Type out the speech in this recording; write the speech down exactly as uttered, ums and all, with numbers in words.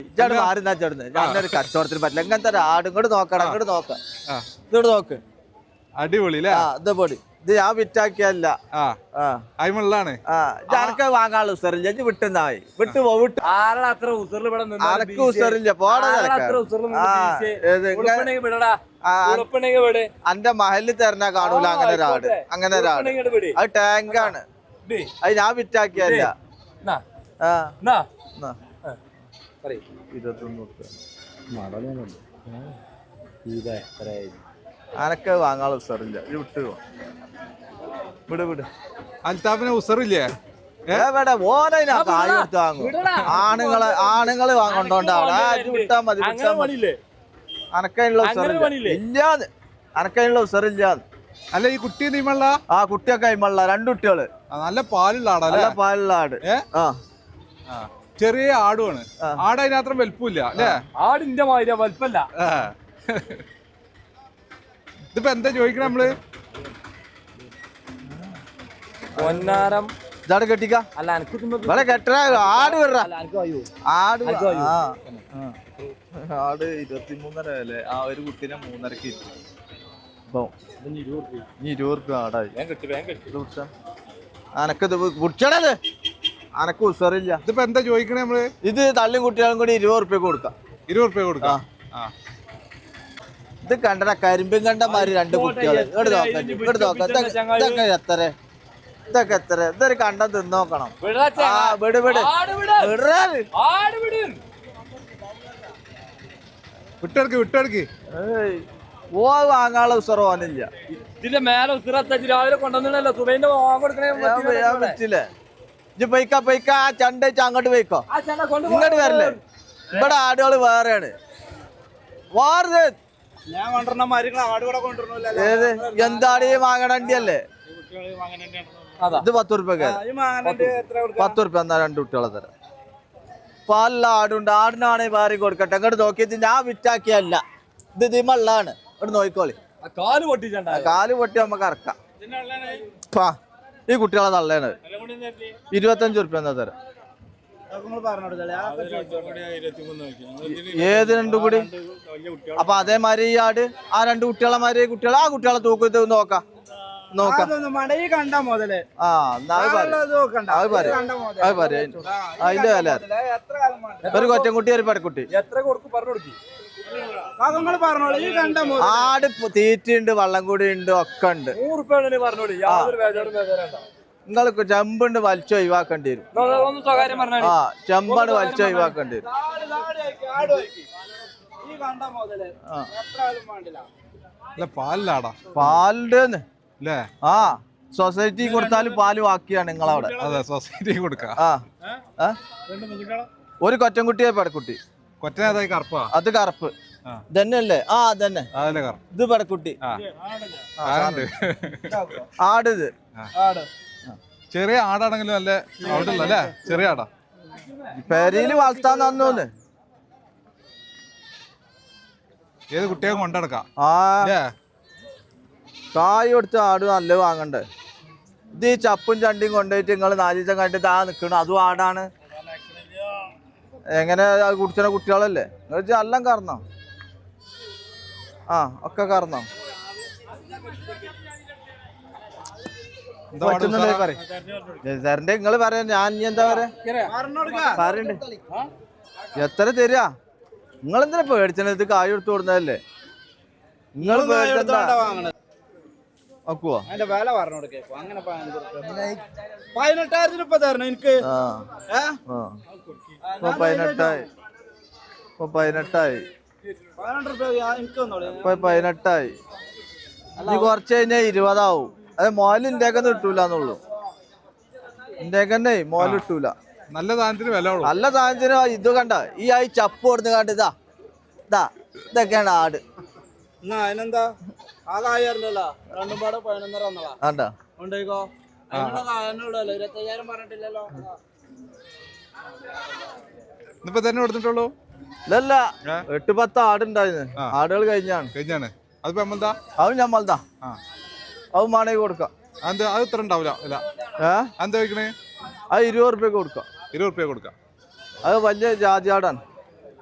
ഇജാട് മാറുന്ന ചേർന്ന് ഞാനൊരു കച്ചവടത്തിന് പറ്റില്ല ഇങ്ങനത്തെ ആട് ഇങ്ങോട്ട് നോക്കണം ഇങ്ങോട്ട് നോക്കാം ഇങ്ങോട്ട് നോക്ക് അടിപൊളി ഇത് പൊടി ഇത് ഞാൻ വിറ്റാക്കിയല്ല അയിമുള്ളാണ് ഞാനൊക്കെ വാങ്ങാനുള്ള ഉസറില്ല വിട്ടുന്നായി വിട്ടു പോ വിട്ടു അനക്ക് ഉസറില്ല പോടാ അന്റെ മഹലിൽ തരണ കാണൂല അങ്ങനെ ഒരാട് അങ്ങനെ ഒരാട് അത് ടാങ്കാണ് അത് ഞാൻ വിറ്റാക്കിയല്ല അനക്ക് വാങ്ങാനുള്ള ഉസറില്ല വിട്ടു വിട് വിട് അൽത്താഫിന് ഉസറില്ലേ എവിടെ ഓനെ കായ് കൊടുത്ത് വാങ്ങും ആണുങ്ങളെ ആണുങ്ങള് വാങ്ങണ്ടോണ്ടാണ് വിട്ടാ മതി വിട്ടാ മതി അനക്കതിനുള്ള ഉസറില്ല ഇല്ലാന്ന് അനക്കതിനുള്ള ഉസറില്ലാന്ന് അല്ല ഈ കുട്ടി നീമള്ള ആ കുട്ടിയൊക്കെ അയിമള്ള രണ്ടു കുട്ടികള് നല്ല പാലുള്ള ആടാ നല്ല പാലുള്ള ആട് ആ ചെറിയ ആടുമാണ് ആട് അതിനത്ര വലുപ്പില്ല അല്ലേ ആടിന്റെ മാതിരി വലുപ്പല്ല ഇതിപ്പോ എന്താ ചോദിക്കണ നമ്മള് പൊന്നാരം ഇതാട് കെട്ടിക്ക അല്ല ഇവിടെ കെട്ട ആട് വിട ആട് ആട് ഇരുപത്തിമൂന്നര അല്ലേ ആ ഒരു കുട്ടീനെ മൂന്നരക്ക് ഇരുപത് റുപ്യ ആടായി അനക്കത് കുടിച്ചടത് അനക്ക് ഉസറില്ല ഇതിപ്പോ എന്താ ചോദിക്കണേ നമ്മള് ഇത് തള്ളിയും കുട്ടികളും കൂടി ഇരുപത് റുപ്യ കൊടുക്കാം ഇരുപത് റുപ്യ കൊടുക്കാം ഇത് കണ്ടട കരിമ്പും കണ്ടമാര് രണ്ട് കുട്ടികള് ഇങ്ങോട്ട് നോക്കാം ഇങ്ങോട്ട് നോക്കാം ഇതൊക്കെ എത്ര ഇതൊക്കെ എത്ര ഇതൊരു കണ്ടം തിന്നോക്കണം ആ വിട് വിട് വിട്ടെടുക്ക് വിട്ടെടുക്ക് ഓ വാങ്ങാനുള്ള ഉസറ് പോകാനില്ല ഇതിന്റെ മേലെ ഉസറത്തച്ച് രാവിലെ കൊണ്ടുവന്നില്ലല്ലോ സുബൈന്റെ പറ്റില്ലേ ഇജ്ജ് പൊയ്ക്ക പൊയ്ക്ക ആ ചണ്ട വെച്ച് അങ്ങോട്ട് പോയിക്കോ ഇങ്ങോട്ട് വരല്ലേ ഇവിടെ ആടുകള് വേറെയാണ് വാറ് ഞാൻ കൊണ്ടുവരണ മരങ്ങൾ ആട് കൂടെ കൊണ്ടുവരണല്ലോ ഏത് എന്താട് ഈ വാങ്ങണണ്ടിയല്ലേ ഇത് പത്ത് റുപ്യ പത്ത് റുപ്യ എന്നാ രണ്ട് കുട്ടികളെ തരാം പാലില്ല ആടുണ്ട് ആടിനാണെങ്കിൽ വേറെ കൊടുക്കട്ടെ അങ്ങോട്ട് നോക്കിയത് ഞാൻ വിറ്റാക്കിയല്ല ഇത് ഇതിമള്ളാണ് ഇവിടെ നോക്കിക്കോളി കാല് പൊട്ടിച്ചണ്ട കാല് പൊട്ടി നമുക്ക് ഇറക്കാം ഈ കുട്ടികളെ തള്ളേണ് ഇരുപത്തഞ്ച് റുപ്യ എന്നാ തരാം ഏത് രണ്ടു കൂടി അപ്പൊ അതേമാതിരി ഈ ആട് ആ രണ്ട് കുട്ടികളെ മാതിരി കുട്ടികളെ ആ കുട്ടികളെ തൂക്കത്ത് നോക്കാം നോക്കാം ആ അതിന്റെ വില ഒരു കൊറ്റൻകുട്ടി ഒരു പടക്കുട്ടി ആട് തീറ്റുണ്ട് വള്ളം കൂടി ഉണ്ട് ഒക്കെ ഉണ്ട് നിങ്ങൾക്ക് ചെമ്പുണ്ട് വലിച്ചു ഒഴിവാക്കേണ്ടി വരും ആ ചെമ്പാണ് വലിച്ചു ഒഴിവാക്കേണ്ടി വരും പാലിലാടാ പാലിന്റെ ആ സൊസൈറ്റി കൊടുത്താലും പാല് ബാക്കിയാണ് നിങ്ങളവിടെ അതെ സൊസൈറ്റി കൊടുക്കാം ആ ഒരു കൊറ്റൻകുട്ടിയെ പടക്കുട്ടി കൊറ്റനേതായി കറുപ്പാ അത് കറുപ്പ് ഇതന്നെയല്ലേ ആ അതന്നെ ഇത് പടക്കുട്ടി ആടിത് ചെറിയ ആടാണെങ്കിലും നല്ല അവിടെയുള്ള അല്ലേ ചെറിയ ആടാ പെരയില് വളർത്താൻ തന്നൂന്ന് ഏത് കുട്ടിയെ കൊണ്ടെടുക്കാം ആ കായ് കൊടുത്ത ആട് നല്ല വാങ്ങണ്ടേ ഇത് ഈ ചപ്പും ചണ്ടിയും കൊണ്ടുപോയിട്ട് നിങ്ങൾ നാല് ദിവസം കണ്ടിട്ട് ആ നിൽക്കണം അതും ആടാണ് എങ്ങനെ കുടിച്ച കുട്ടികളല്ലേ നിങ്ങൾ എല്ലാം കറന്നോ ആ ഒക്കെ കറന്നോ തരണ്ടേ നിങ്ങള് പറയാ ഞാൻ ഇനി എന്താ പറയാ പറയണ്ടേ എത്ര തരാ നിങ്ങളെന്തിനാ പേടിച്ചത് ഇത് കായ് കൊടുത്തു കൊടുക്കുന്നതല്ലേ നിങ്ങൾ പേടിച്ചെന്താ നോക്കുവോ പതിനെട്ടായിരത്തിന് ഇപ്പൊ തരണം എനിക്ക് പതിനെട്ടായി ഇപ്പൊ പതിനെട്ടായി ഇപ്പൊ പതിനെട്ടായി ഇനി കുറച്ച് കഴിഞ്ഞാൽ ഇരുപതാവും അത് മോല് ഇന്ത്യക്ക് കിട്ടൂലെന്നുള്ളൂ ഇന്ത്യക്ക് തന്നെ മോല് കിട്ടൂല നല്ല സാധനത്തിന് വില നല്ല സാധനത്തിന് ഇത് കണ്ട ഈ ആയി ചപ്പ് കൊടുത്ത് കണ്ട ഇതാ ഇതാ ഇതൊക്കെയാണ് ആട് അതിനെന്താ ആകായിരുന്നല്ലോ രണ്ടും പാടെ പതിനൊന്നര വന്നതാ ആണ്ടാ ഉണ്ടോ ഇരുപത്തയ്യായിരം പറഞ്ഞിട്ടില്ലല്ലോ ഇന്നിപ്പോ തന്നെ കൊടുത്തിട്ടുള്ളൂ ഇല്ലല്ല എട്ട് പത്ത് ആടുണ്ടായിരുന്നു ആടുകൾ കഴിഞ്ഞാണ് കഴിഞ്ഞാണ് അതിപ്പോ നമ്മളതാ അത് ഞമ്മൾതാ അത് വേണമെങ്കിൽ കൊടുക്കാം അത് അത് ഇത്ര ഉണ്ടാവില്ല ഇല്ല ഏഹ് എന്താ ചോദിക്കണേ അത് ഇരുപത് റുപ്യക്ക് കൊടുക്കാം ഇരുപത് റുപ്യ കൊടുക്കാം അത് വലിയ ജാതി ആടാണ്